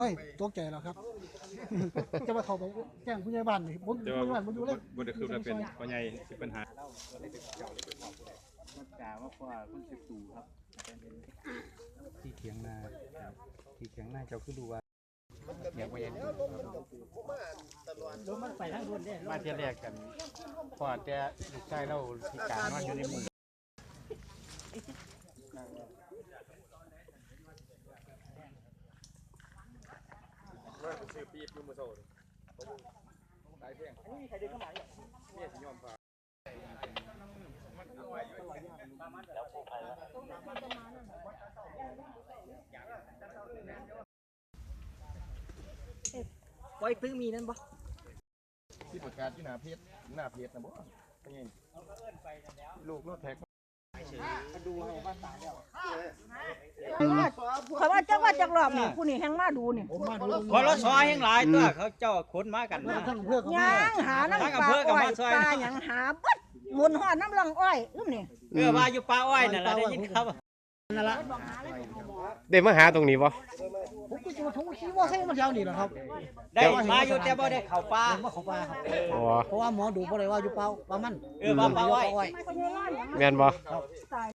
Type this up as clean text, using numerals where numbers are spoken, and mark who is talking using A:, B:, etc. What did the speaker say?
A: เอ้ยตกใจแล้วครับ จะมาเข้าไปแจ้งผู้ใหญ่บ้านนี่ผมผู้ใหญ่บ้านผมอยู่เลย
B: บ่ได้คือว่าเป็นพ่อใหญ่สิปัญหา
C: จ่าว่าพ่อคนสิบตู่ครับที่เถียงนาที่เถียงนาเจ้าคือดูว่าอยากไปยังมันไปทางบนได้มาเที่ยวแรกกันพอแต่ลูกชายเราพิการนอนอยู่ในมือ
B: ชื่อปี๊บอยู่มื้อเช้าหลายเพลงอันนี้ใครเดินเข้ามาเนี่ยเนี่ยสิยอมพา
D: ไว้พึ่งมีนั่นบ่
B: ที่ประกาศที่หน้าเพจนะบ่เป็นไงลูกรถแท็ก
D: เขาว่าจักว่าจักรอบนี่ผู้นี่แฮงมาดูนี่
A: ผมมาดู
C: พอรถซอยยังหลายตัวเขาเจ้าขนมากันนะ
A: ทั้งอำเภอกับ
D: ยังหาน้ำปลาอ้อยปลาหยังหาเบิดหมุนหอดน้ำลังอ้อยนี่
C: ว่าอยู่ป่าอ้อยนั่นแหละได้ยินครับ
A: นั่นละ
E: ได้มาหาตรงนี้บ่
A: ผมก็จะมาทุ่งขี้ว่าใส่มาเช้านี่แหละครับ
C: ได้มาอยู่แต่บ่ได้เข้าป่า
A: ผมว่าเขาปลาครับ
E: อ๋อ
A: เพราะว่าหมอดูบ่ได้ว่าอยู่เปล่าปลามัน
C: ว่าป่าอ้อย
E: แม่นบ่
D: ตาย